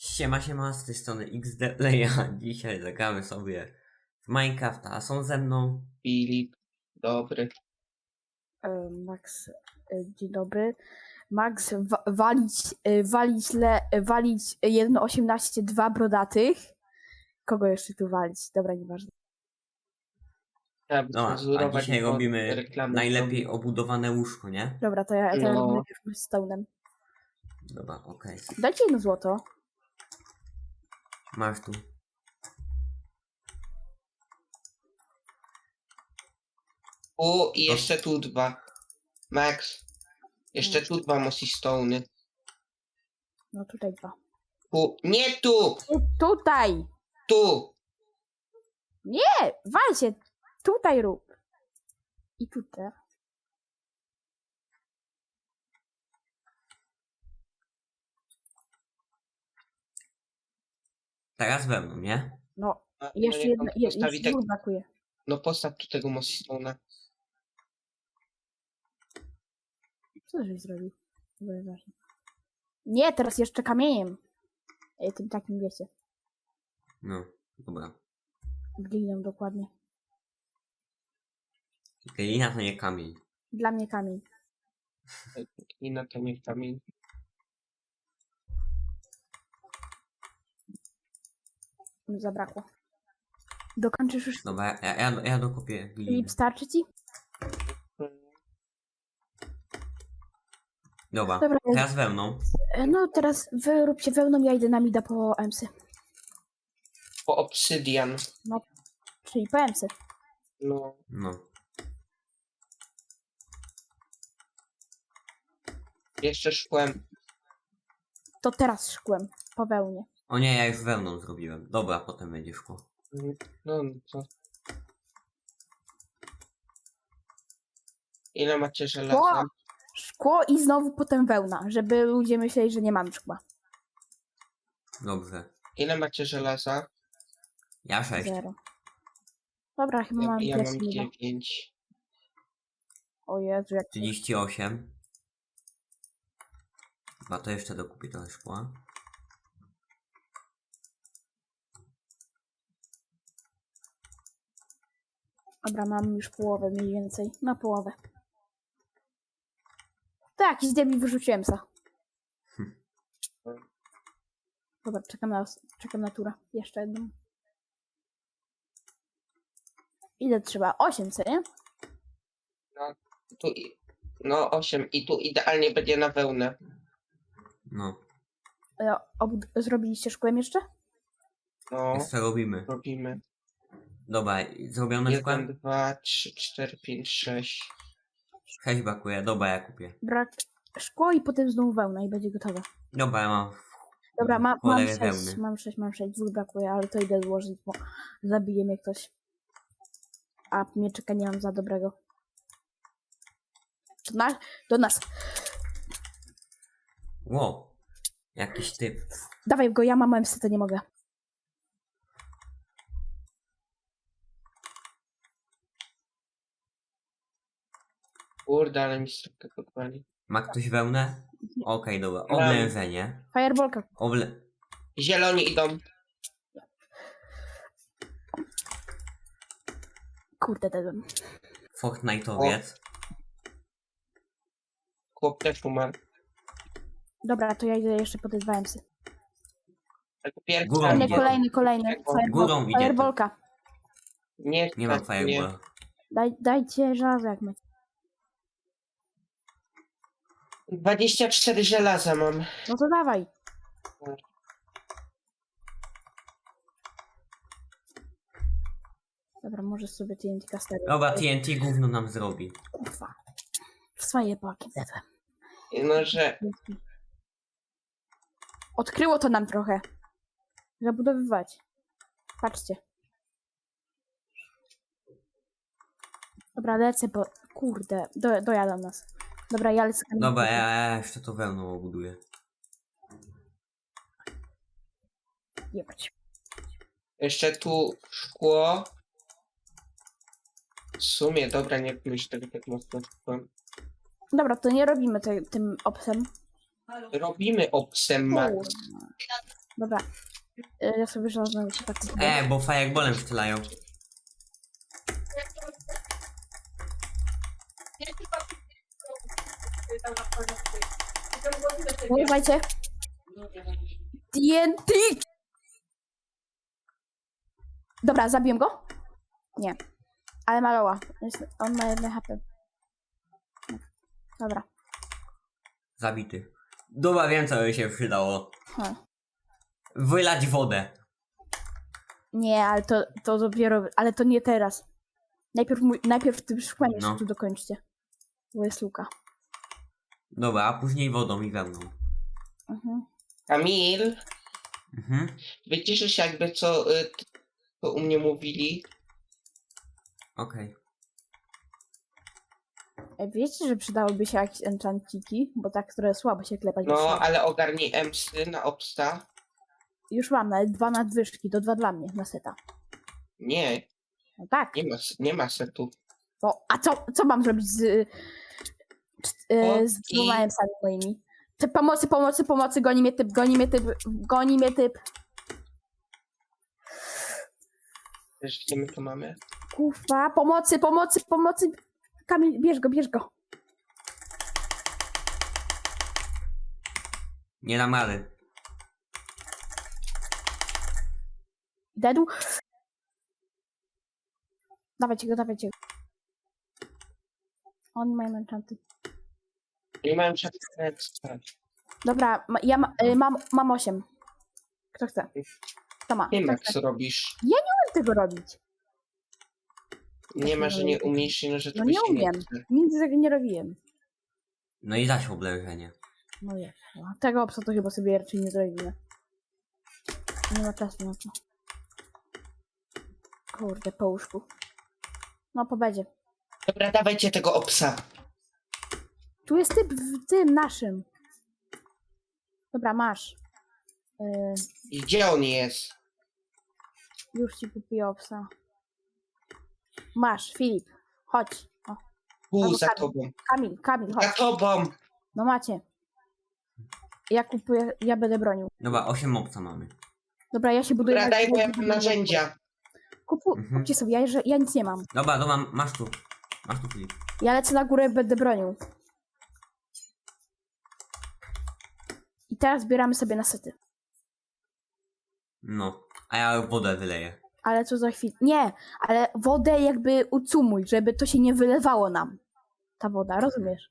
Siema, z tej strony XDLeja. Dzisiaj zagramy sobie w Minecrafta, a są ze mną... Filip, dobry. Max, dzień dobry. Max, walić 1.18, 2 brodatych. Kogo jeszcze tu walić? Dobra, nieważne. Trzeba No, a cenzurować, dzisiaj bo robimy reklamy najlepiej są. obudowane łóżko, nie? Dobra, to ja No. robię najpierw z stone'em. Dobra, okej. Dajcie 1 złoto. Masz tu. I jeszcze tu 2. Max, jeszcze tu 2 mossy stone'y. No tutaj 2. Nie tu! Tutaj! Tu! Nie! Wal się! Tutaj rób! I tutaj. Teraz we mną, nie? No, A, jeszcze niech on jedno, postawi jeszcze tak, dwóch brakuje. no postaw tu tego mossy stone'a. Co żeś zrobił? To było ważne. Nie, teraz jeszcze kamieniem. Tym takim, wiecie. No, dobra. Gliną dokładnie. Glina to nie kamień. Dla mnie kamień. I na to niech kamień. Zabrakło. Dokończysz już. Dobra, ja dokopię gliny. Filip, starczy ci? Dobra, Dobra. teraz we mną. No teraz wy róbcie wełną, ja idę na mida po emsy. Po obsydian. Czyli po emsy. No. No. Jeszcze szkłem. To teraz szkłem. Po wełnie. O nie, ja już wełną zrobiłem. Dobra, potem będzie szkło. No co? Ile macie żelaza? Szkło i znowu potem wełna, żeby ludzie myśleli, że nie mam szkła. Dobrze. Ile macie żelaza? Ja 6. 0. Dobra, chyba mam Ja mam plecy mida. 9. O Jezu, jak 38. Chyba to jeszcze dokupię trochę szkła. Dobra, mam już połowę mniej więcej. Na połowę. Tak, i zdjęli wyrzuciłem sa. Dobra, czekam na tura. Jeszcze jedną. Ile trzeba? 8, co nie? No 8 i tu idealnie będzie na wełnę. No. Zrobiliście szkłem jeszcze? No, Jeszcze robimy. robimy. Dobra, zrobione szkłem? 1, 2, 3, 4, 5, 6. 6 brakuje. Dobra, ja kupię. Brak szkło i potem znowu wełna i będzie gotowe. Dobra, ja mam... Dobra, mam cholerę 6, wełny. mam 6, dwóch brakuje, ale to idę złożyć, bo zabije mnie ktoś. A mieczyka nie mam za dobrego. Do nas. Wow. Jakiś typ. Dawaj go, ja mam MC, to nie mogę. Kurde, ale mi stropkę podpali. Ma ktoś wełnę? Okej, dobra. Oblężenie. Fireballka. Zieloni idą. Kurde, dedłem. Fortnite'owiec. Chłop też umarł. Dobra, to ja idę jeszcze po te 2 MC. Jako pierwszy. Górą Kolejny, idzie. kolejny. Górą idzie. Fireballka. Nie mam fireballa. Dajcie żelazo jak macie. 24 żelaza mam. No to dawaj. Dobra, może sobie TNT kastery. Dobra, TNT gówno nam zrobi. Kurwa. W swoje paki dedłem. No, że Odkryło to nam trochę. Zabudowywać. Patrzcie. Dobra, lecę, bo... Kurde, dojadą nas. Dobra, ja lecę. Dobra, ja jeszcze to wełną obuduję. Jebać. jeszcze tu szkło. W sumie, dobra, nie myśl tego tak mocno. Dobra, to nie robimy tym obsem. Robimy obsem, Max. Kurwa. Dobra. Ja sobie żadnego się tak kupuję. Bo fireballem strzelają. Uważajcie. TNT! Dobra, zabiłem go? Nie. Ale maloła. On ma 1 HP. Dobra. Zabity. Dobra, wiem co by się przydało. Wylać wodę. Nie, ale to dopiero... Ale to nie teraz. Najpierw tym szkłem jeszcze No. tu dokończcie. Bo jest luka. Dobra, a później wodą i wełną. Mhm. Kamil, Mhm. wyciszysz jakby co u mnie mówili. Okej. Wiecie, że przydałyby się jakieś enchantiki? Bo tak trochę słabo się klepać. No, ale ogarnij emsy na obsta. Już mam nawet 2 nadwyżki, to 2 dla mnie na seta. Nie, No tak. nie ma setu. To, a co mam zrobić z I- 2 emsami moimi? Te pomocy, goni mnie typ. Wiesz, gdzie my to mamy? Kufa, pomocy. Kamil, bierz go. Nie dam rady. Dedu. Dawajcie go. On mają enchanty. Nie mają czapkę. Dobra, mam 8. Kto chce? Kto ma? Nie Kto ma chce? co robisz. Co tego robić? Nie ma, że nie umiesz, no że No to nie się umiem. chce. Nigdy tego nie robiłem. No i zaś oblężenie. No jest. Tego obsa to chyba sobie raczej nie zrobimy. Nie ma czasu na to. Kurde, po łóżku. No, po bedzie. Dobra, dawajcie tego obsa. Tu jest typ w tym naszym. Dobra, masz. I gdzie on jest? Już ci kupię obsa. Masz, Filip. Chodź. O, Albo Za Kamil. tobą. Kamil, Za chodź. tobą. No macie. Ja kupuję, ja będę bronił. Dobra, 8 mopca mamy. Dobra, ja się buduję. Dobra, daj, bo ja mam narzędzia. Kupcie sobie, ja nic nie mam. Dobra, masz tu. Masz tu Filip. Ja lecę na górę, będę bronił. I teraz zbieramy sobie na sety. No. A ja wodę wyleję. Ale co za chwilę. Nie, ale wodę jakby ucumuj, żeby to się nie wylewało nam. Ta woda, rozumiesz?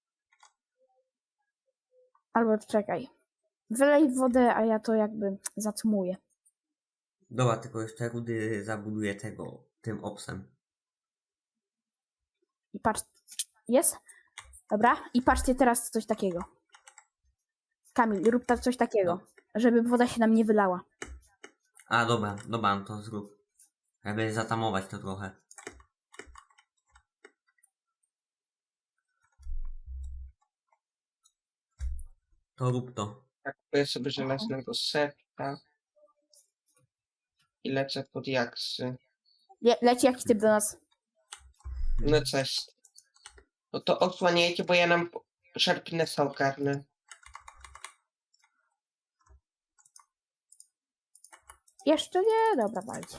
Albo czekaj. Wylej wodę, a ja to jakby zacumuję. Dobra, tylko jeszcze rudy zabuduję tym obsem. I patrz. Jest? Dobra. I patrzcie teraz coś takiego. Kamil, rób tak coś takiego. Żeby woda się nam nie wylała. A dobra, no to zrób. Żeby zatamować to trochę. To rób to. Tak, kupuję sobie żelaznego seta. I lecę pod jaksy. Leci jakiś typ do nas. No coś. No to odsłaniajcie, bo ja nam Sharpnessa ogarnę. Jeszcze nie? Dobra, walcie.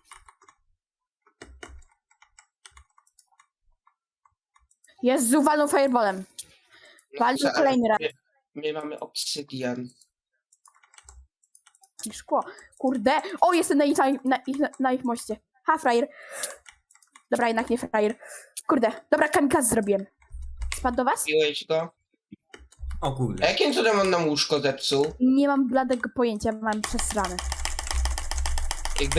Jest z uwalą fireballem. Wali Co, ale kolejny raz. My mamy obsydian. I szkło. Kurde. O, jestem na ich moście. Ha, frajer. Dobra, jednak nie frajer. Kurde. Dobra, kamikaz zrobiłem. Spadł do was? Piłeś go? O A kurde. jakim cudem on nam łóżko zepsuł? Nie mam bladego pojęcia, mam przesrane. Jakby...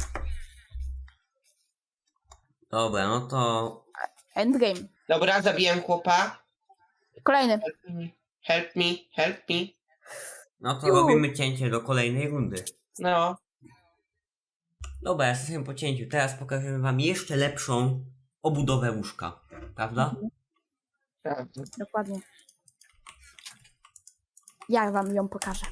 Dobra, no to... Endgame. Dobra, zabiłem chłopa. Kolejny. Help me. No to Ju. robimy cięcie do kolejnej rundy. No. Dobra, jesteśmy po cięciu. Teraz pokażemy wam jeszcze lepszą obudowę łóżka. Prawda? Prawda. Dokładnie. Ja wam ją pokażę.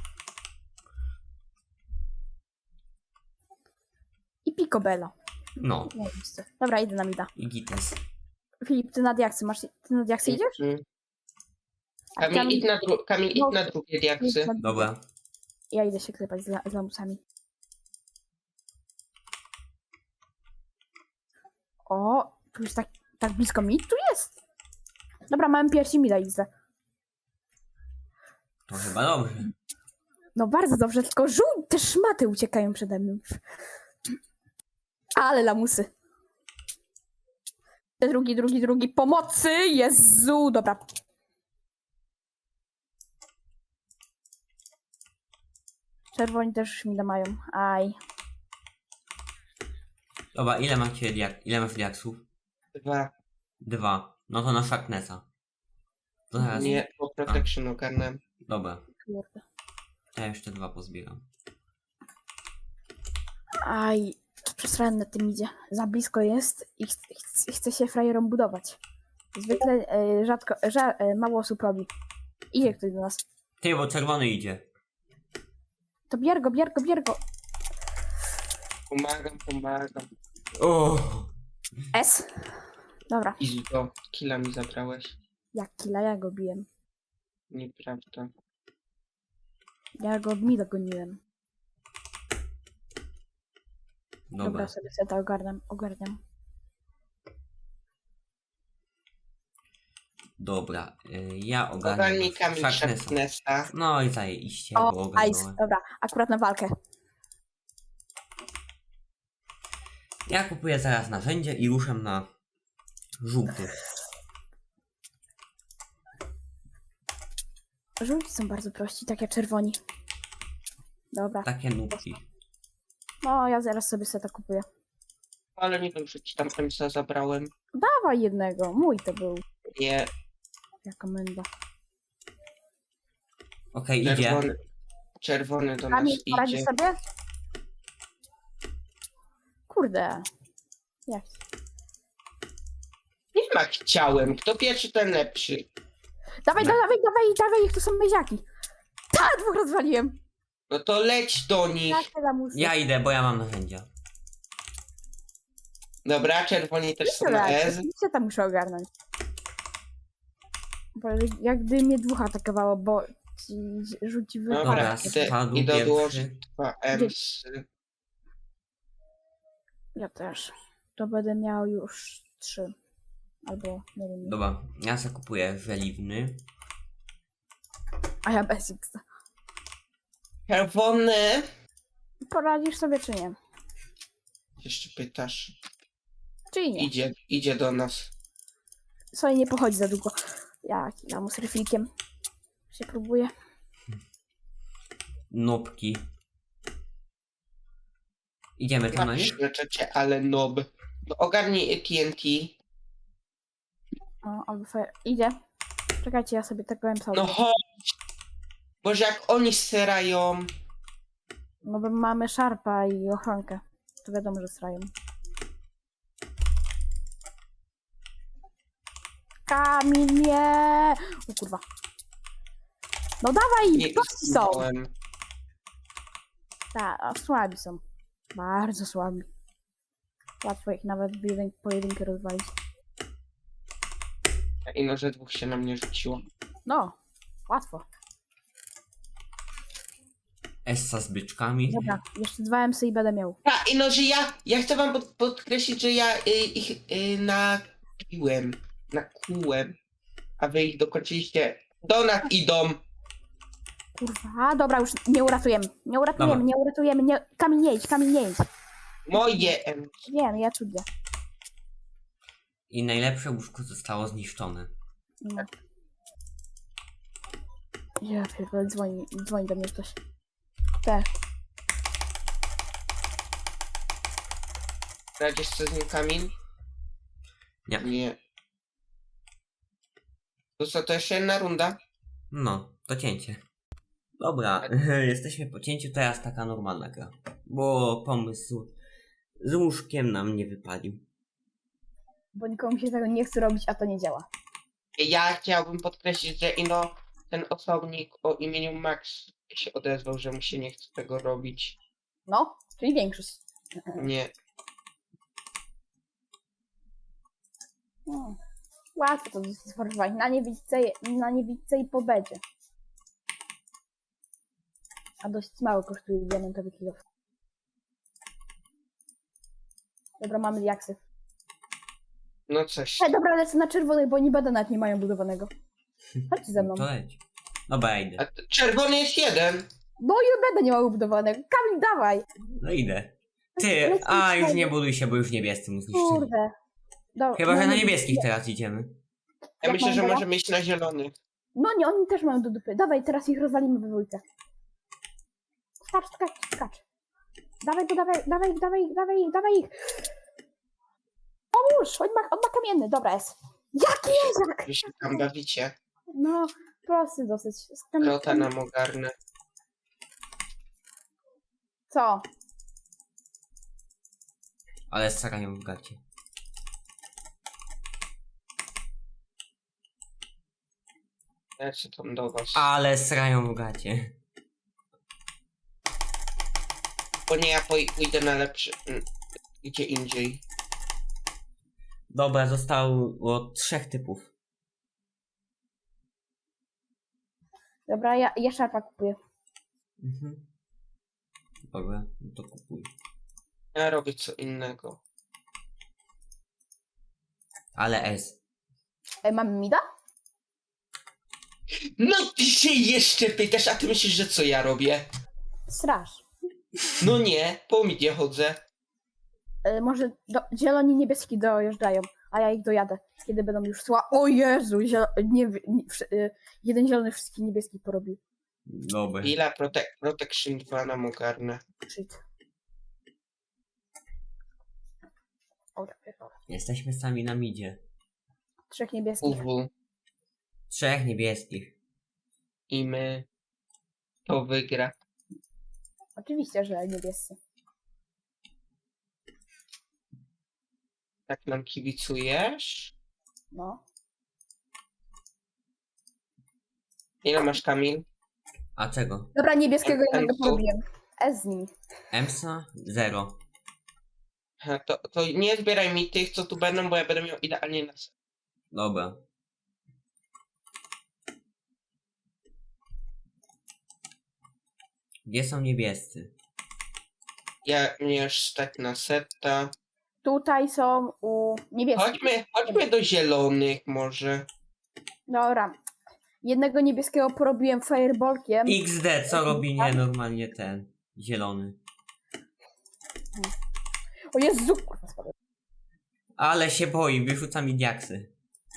I picobello. No. Dobra, idę na mida. I gites. Filip, ty na diaksy masz. Ty na diaksy idziesz? Mm. A Kamil, idź na drugie diaksy. Dobra. Ja idę się klepać z lamusami. O, tu już tak blisko mi tu jest. Dobra, mamy piersi mi daj widzę. To chyba dobrze. No bardzo dobrze, tylko te szmaty uciekają przede mną. Ale lamusy. Drugi. Pomocy! Jezu! Dobra. Czerwoni też już mi mają. Aj. Dobra, ile masz diaksów? 2. 2. No to na Sharpnessa. To teraz... Nie, po protection ogarnę. Dobra, Kurde. ja jeszcze 2 pozbieram. Aj. Przesrałem na tym idzie. Za blisko jest i chce się frajerom budować. Zwykle mało osób robi. Idzie ktoś do nas. Ty, bo czerwony idzie. To bier go. Pomagam. O! S. Dobra. I do killa mi zabrałeś. Jak killa, ja go biłem. Nieprawda. Ja go mi dogoniłem. Dobra. Dobra, sobie to ogarniam. Dobra, ja ogarniam Ogarnij Kamil Sharpnessa. Sharpnessa. No i zajebiście, O, bo ice. ogarnąłem. Dobra, akurat na walkę. Ja kupuję zaraz narzędzie i ruszę na żółty. Żółci są bardzo prości, tak jak czerwoni. Dobra. Takie nubki. No, ja zaraz sobie seta kupuję. Ale nie wiem, że ci tam Emsa zabrałem. Dawaj jednego, mój to był. Nie, Jaka menda. Okej, idzie. czerwony do nas Kamil, poradzisz idzie. sobie? Kurde. Jak? Nie ma chciałem. Kto pierwszy, ten lepszy. Dawaj, jak to są meziaki. Tak, 2 rozwaliłem. No to leć do nich. Jakie lamusy. Ja idę, bo ja mam narzędzia. Dobra, czerwoni też są Jeszcze na raz, S. jeszcze tam muszę ogarnąć. Bo jakby mnie 2 atakowało, bo ci rzuci Dobra, Dobra, wypadek. spadł idę pierwszy. dołożyć 2 Emsy. Ja też. To będę miał już 3. Albo nie wiem. Dobra, ja sobie kupuję żeliwny. A ja bez X. Czerwony. Poradzisz sobie czy nie? Jeszcze pytasz. Czy nie? Idzie do nas. Sobie nie pochodzi za długo. Jak ja mu z refilkiem się próbuję. Nubki. Idziemy tam na nich? Leczecie, ale nob. No ogarnij TNT. O, albo fire. Idzie. Czekajcie, ja sobie tego M No chodź. Boże, jak oni serają. No bo mamy szarpa i ochronkę. To wiadomo, że srają. Kamil nie! O kurwa. No dawaj! Nie, Prości są! zginąłem. Tak, a słabi są. Bardzo słabi. Łatwo ich nawet w pojedynkę rozwalić. I no, że 2 się na mnie rzuciło. No, łatwo. Essa z byczkami. Dobra, jeszcze 2 MC i będę miał. A, i no, że ja chcę wam podkreślić, że ja ich nakułem, a wy ich dokończyliście. Do nas idą. Kurwa, dobra, już nie uratujemy. Dobra. Nie uratujemy. Nie... Kamil nie idź. Moje Wiem, ja czuję. I najlepsze łóżko zostało zniszczone. No. Ja pierdolę, dzwoni do mnie ktoś. Te. Radzisz co z nim, Kamil? Nie. Nie. To co, to jeszcze jedna runda? No, to cięcie. Dobra, jesteśmy po cięciu, teraz taka normalna gra. Bo pomysł z łóżkiem nam nie wypalił. Bo nikomu się tego nie chce robić, a to nie działa. Ja chciałbym podkreślić, że ino ten osobnik o imieniu Max się odezwał, że mu się nie chce tego robić. No, czyli większość. Nie. No. Łatwo to sformować. Na niewidce i po bedzie. A dość mało kosztuje diamentowy kilof. Dobra, mamy diaksy. No coś. Dobra, lecę na czerwonych, bo oni nawet nie mają budowanego. Chodźcie ze mną. To leć. Dobra, ja idę. Czerwony jest jeden. No i będę nie ma budowanego. Kamil, dawaj! No idę. Ty, już nie buduj się, bo już niebiescy mu zniszczyli. Kurde. Chyba, że na no, niebieskich teraz idziemy. Ja Jak myślę, mam że teraz? możemy iść na zielony. No nie, oni też mają do dupy. Dawaj, teraz ich rozwalimy we dwójkę. Skacz, skacz, skacz. Dawaj go, dawaj ich. Pomóż! On ma kamienny, dobra jest. Jaki język? Wy się tam bawicie. No, prosty dosyć. Rota nam ogarnę. Co? Ale starają w gacie. Ja się tam do was. Ale srają w gacie. Bo nie, ja pójdę na lepszy... Gdzie indziej. Dobra, zostało 3 typów. Dobra, ja szarpa kupuję. Mhm. Dobra, no to kupuj. Ja robię co innego. Ale S. Mamy mida? No ty się jeszcze pytasz, a ty myślisz, że co ja robię? Straż. No nie, po midzie chodzę. Może zieloni niebieski dojeżdżają, a ja ich dojadę, kiedy będą już szła. O Jezu, jeden zielony wszystkich niebieskich porobił. Dobra. Ile Protection 2 nam ogarnę. Shit. Dobra, pierdolę. Jesteśmy sami na midzie. 3 niebieskich. UW 3 niebieskich. i my. To wygra. Oczywiście, że niebiescy. Tak nam kibicujesz? No. Ile masz, Kamil? A czego? Dobra, niebieskiego Em, jednego em, porobiłem. S z nimi. Emsa? 0. Ha, to nie zbieraj mi tych, co tu będą, bo ja będę miał idealnie na set. Dobra. Gdzie są niebiescy? Ja mnie już stać na seta. Tutaj są u niebieskich. Chodźmy do zielonych może. Dobra. Jednego niebieskiego porobiłem fireballkiem. XD, co robi nienormalnie ten zielony? O Jezu! Kurwa, spadłem. Ale się boi, wyrzuca mi diaksy.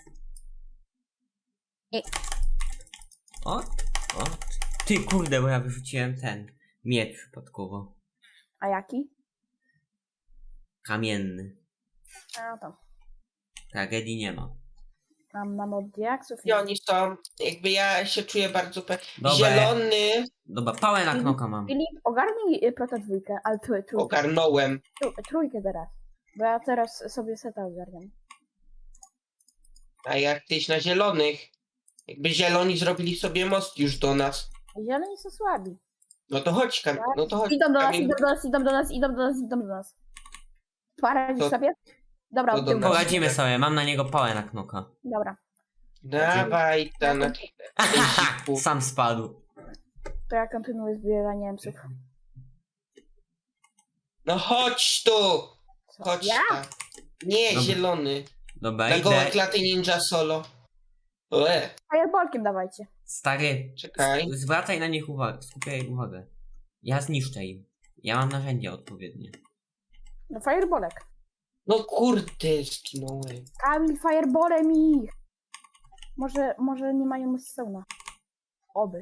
I- O, o. Ty kurde, bo ja wyrzuciłem ten miecz przypadkowo. A jaki? Kamienny. A tam. Tragedii nie ma. Mam od diaksów. I oni są, jakby ja się czuję bardzo Dobra. zielony. Dobra, pałę na knoka mam. Filip, ogarnij prota dwójkę, ale trójkę. Ogarnąłem. Trójkę teraz. Bo ja teraz sobie seta ogarniam. A jak tyś na zielonych? Jakby zieloni zrobili sobie most już do nas. Zieloni są słabi. No to chodź, no to chodź. Idą do nas, Kamil. idą do nas. Poradzisz To- sobie? Dobra, to oddział. dobra. Poradzimy sobie, mam na niego pałę na knoka. Dobra, Dawaj, ta na ziku. Sam spadł. to ja kontynuuję zbieranie emsów. No chodź tu! Co? Chodź Ja? ta. Nie, Dobra. zielony. Dobra, Na gołe idę. klaty ninja solo. Fireballkiem dawajcie. Stary, Czekaj. zwracaj na nich uwagę, skupiaj uwagę. Ja zniszczę im. Ja mam narzędzia odpowiednie. No fireballek. No kurde, zginąłem. Kamil, fireballem ich. Może nie mają musicona. Oby.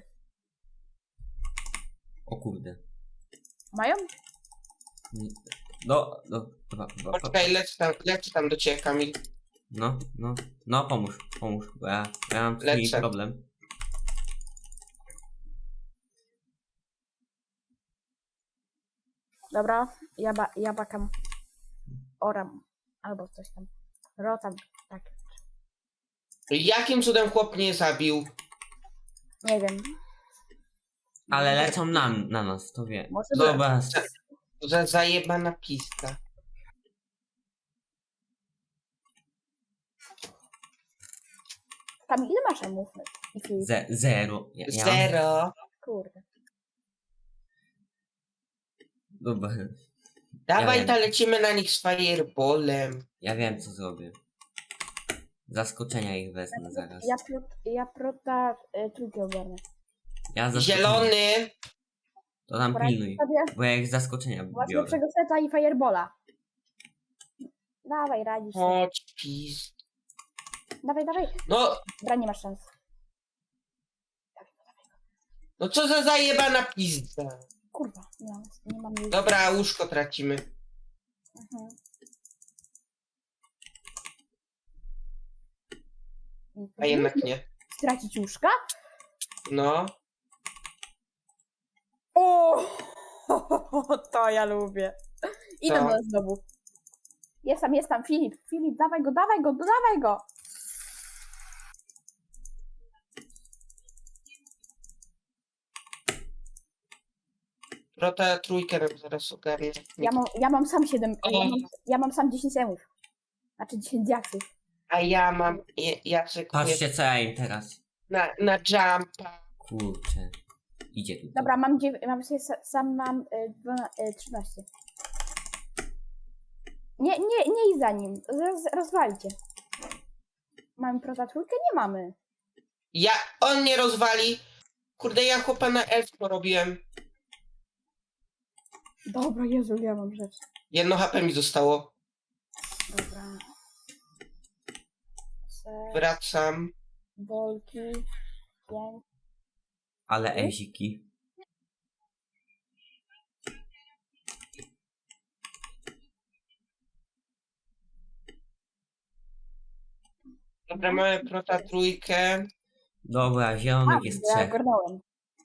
O kurde. Mają? Dwa. Poczekaj, lecę tam do ciebie, Kamil. No, pomóż, bo ja mam z nimi Lecę. problem. Dobra, ja bakam. Oram. Albo coś tam. Rotam. Tak. Jakim cudem chłop mnie zabił? Nie wiem. Ale lecą na nas, to wie. Może Dobra, Za zajebana pista. Tam ile masz emów? I Filip? 0. Ja mam Zero. Kurde. Dobra. Dawaj, wiem. ta lecimy na nich z fireballem. Ja wiem, co zrobię. Zaskoczenia ich wezmę zaraz. Ja prota trójkę ogarnę. Ja zaskoczenia. Zielony. To tam Poradź pilnuj. sobie, Bo ja ich zaskoczenia masz biorę. lepszego seta i firebola. Dawaj, radzisz sobie. Chodź, pis. Dawaj. No, Dobra, nie masz szans. no co za zajebana pizda. Kurwa, nie mam jej. Dobra, łóżko tracimy. Mhm. A jednak nie. Stracić łóżka? No. O, to ja lubię. Idę Co? do nas znowu. Jest tam Filip. Filip, dawaj go. Prota trójkę nam zaraz ogarnie. Ja mam sam 7. O. Ja mam sam 10 emów. Znaczy 10 diaksów. A ja mam... Ja czekuję Patrzcie, co ja im teraz. na jumpa. Kurczę. Idzie tu. Dobra, sam mam 13. Nie idź za nim. Rozwalcie. Mamy prota trójkę? Nie mamy. On mnie rozwali. Kurde, ja chłopa na elf porobiłem. Dobra, Jezu, ja mam rzecz. 1 HP mi zostało. Dobra. Wracam. Bolki. 5. Ale eziki. Dobra, mamy prota trójkę. Dobra, zielonych jest Ja 3. ogarnąłem.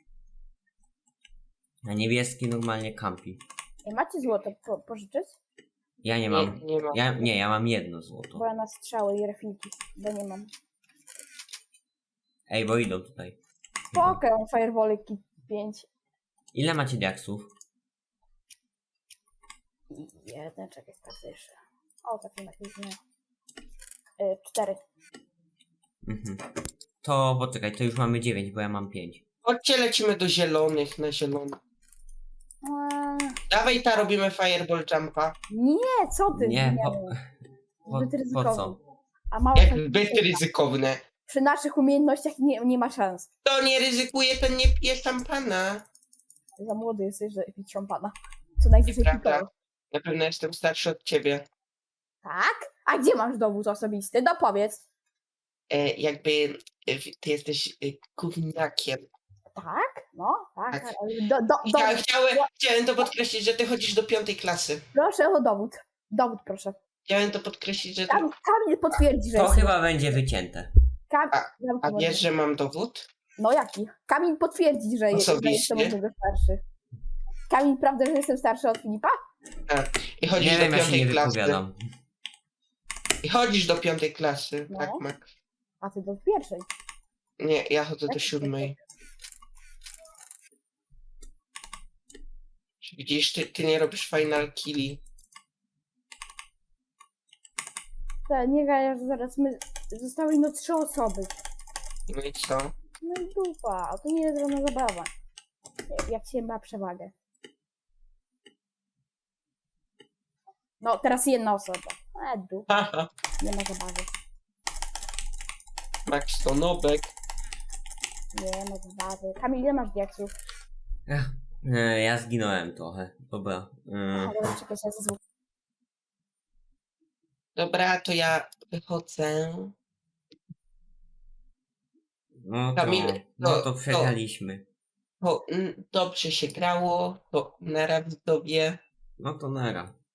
A niebieski normalnie kampi. Macie złoto pożyczyć? Ja nie mam. Nie mam. Ja mam 1 złoto. Bo ja na strzały i refilki. Bo nie mam. Ej, bo idą tutaj. Spoko, mam firewalliki 5. Ile macie diaksów? Jeden, czekaj, sprawdzę jeszcze. O, taki na później. 4. Mhm. To poczekaj, to już mamy 9, bo ja mam 5. Chodźcie, lecimy do zielonych, na zielonych. Dawaj, ta robimy fireball jumpa. Nie, co ty? Nie, Zbyt po ryzykowne. co? A mało Jak tak- zbyt ryzykowne. Przy naszych umiejętnościach nie ma szans. To nie ryzykuje, ten nie pije szampana. Za młody jesteś, że pić szampana. Co najwyżej Prawda. pikował. Na pewno jestem starszy od ciebie. Tak? A gdzie masz dowód osobisty? No powiedz. Jakby ty jesteś gówniakiem. Tak? No, tak. Tak. tak. Ale dowód. Chciałem to podkreślić, że ty chodzisz do 5 klasy. Proszę o dowód. Dowód, proszę. Chciałem to podkreślić, że ty... Kamil potwierdzi, że To jest. chyba będzie wycięte. A wiesz, że mam dowód? No jaki? Kamil potwierdzi, że jestem Osobiście? od niego starszy. Kamil, prawda, że jestem starszy od Filipa? I chodzisz Nie do wiem, ja się nie 5 klasy. wypowiadam. I chodzisz do 5 klasy, No. tak, Max? A ty do pierwszej. Nie, ja chodzę do Jak 7. Widzisz, ty nie robisz final killi. Nie gajasz, zaraz zostały no 3 osoby. No i co? No i dupa, a to nie jest żadna zabawa. Jak się ma przewagę. No, teraz jedna osoba. Dupa, Haha, nie ma zabawy. Max to nobek. Nie ma zabawy. Kamil, ile masz diaksów? Ja zginąłem trochę. Dobra. Ale czekaj, się zezwól. Dobra, to ja wychodzę. No to, Kamil, no to przegraliśmy. Dobrze się grało, to na widzowie. No to nara.